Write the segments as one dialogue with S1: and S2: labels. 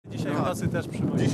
S1: Dzisiaj w nocy też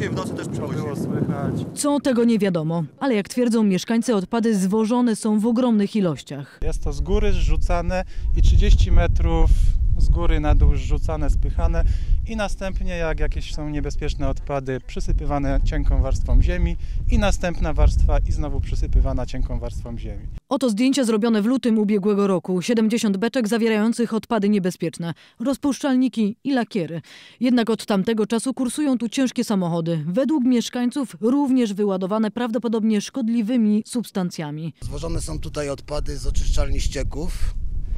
S2: było
S1: słychać.
S3: Co tego nie wiadomo, ale jak twierdzą mieszkańcy, odpady zwożone są w ogromnych ilościach.
S1: Jest to z góry zrzucane i 30 metrów z góry na dół zrzucane, spychane i następnie jak jakieś są niebezpieczne odpady przysypywane cienką warstwą ziemi i następna warstwa i znowu przysypywana cienką warstwą ziemi.
S3: Oto zdjęcia zrobione w lutym ubiegłego roku. 70 beczek zawierających odpady niebezpieczne, rozpuszczalniki i lakiery. Jednak od tamtego czasu kursują tu ciężkie samochody. Według mieszkańców również wyładowane prawdopodobnie szkodliwymi substancjami.
S2: Zwożone są tutaj odpady z oczyszczalni ścieków,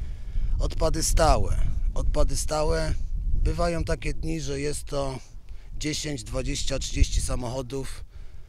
S2: odpady stałe. Odpady stałe bywają takie dni, że jest to 10, 20, 30 samochodów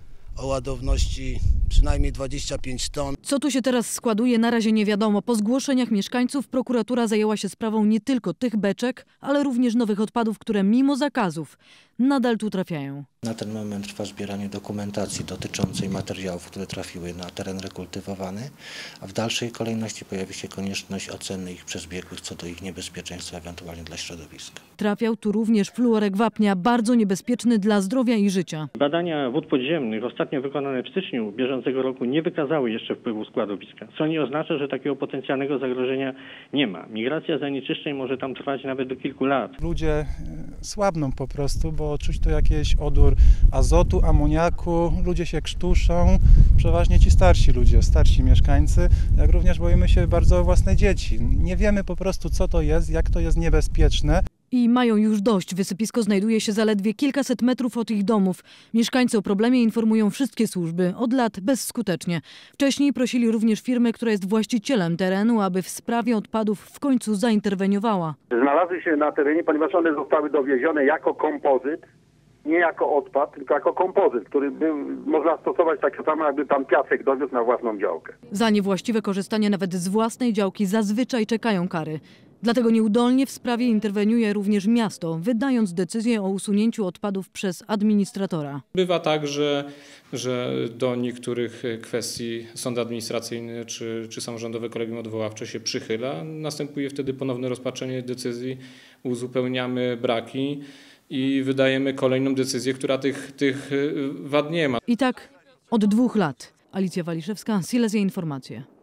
S2: o ładowności przynajmniej 25 ton.
S3: Co tu się teraz składuje, na razie nie wiadomo. Po zgłoszeniach mieszkańców prokuratura zajęła się sprawą nie tylko tych beczek, ale również nowych odpadów, które mimo zakazów nadal tu trafiają.
S4: Na ten moment trwa zbieranie dokumentacji dotyczącej materiałów, które trafiły na teren rekultywowany, a w dalszej kolejności pojawi się konieczność oceny ich przez biegłych co do ich niebezpieczeństwa ewentualnie dla środowiska.
S3: Trafiał tu również fluorek wapnia, bardzo niebezpieczny dla zdrowia i życia.
S5: Badania wód podziemnych ostatnio wykonane w styczniu bieżącego roku nie wykazały jeszcze wpływu składowiska, co nie oznacza, że takiego potencjalnego zagrożenia nie ma. Migracja zanieczyszczeń może tam trwać nawet do kilku lat.
S1: Ludzie słabną po prostu, bo czuć tu jakiś odór azotu, amoniaku, ludzie się krztuszą, przeważnie ci starsi ludzie, starsi mieszkańcy, jak również boimy się bardzo o własne dzieci. Nie wiemy po prostu, co to jest, jak to jest niebezpieczne.
S3: I mają już dość. Wysypisko znajduje się zaledwie kilkaset metrów od ich domów. Mieszkańcy o problemie informują wszystkie służby, od lat bezskutecznie. Wcześniej prosili również firmę, która jest właścicielem terenu, aby w sprawie odpadów w końcu zainterweniowała.
S6: Znalazły się na terenie, ponieważ one zostały dowiezione jako kompozyt, nie jako odpad, tylko jako kompozyt, który można stosować tak samo, jakby pan piasek dowiózł na własną działkę.
S3: Za niewłaściwe korzystanie nawet z własnej działki zazwyczaj czekają kary. Dlatego nieudolnie w sprawie interweniuje również miasto, wydając decyzję o usunięciu odpadów przez administratora.
S7: Bywa tak, że do niektórych kwestii sąd administracyjny czy samorządowe kolegium odwoławcze się przychyla. Następuje wtedy ponowne rozpatrzenie decyzji, uzupełniamy braki i wydajemy kolejną decyzję, która tych wad nie ma.
S3: I tak od 2 lat. Alicja Waliszewska, Silesia Informacje.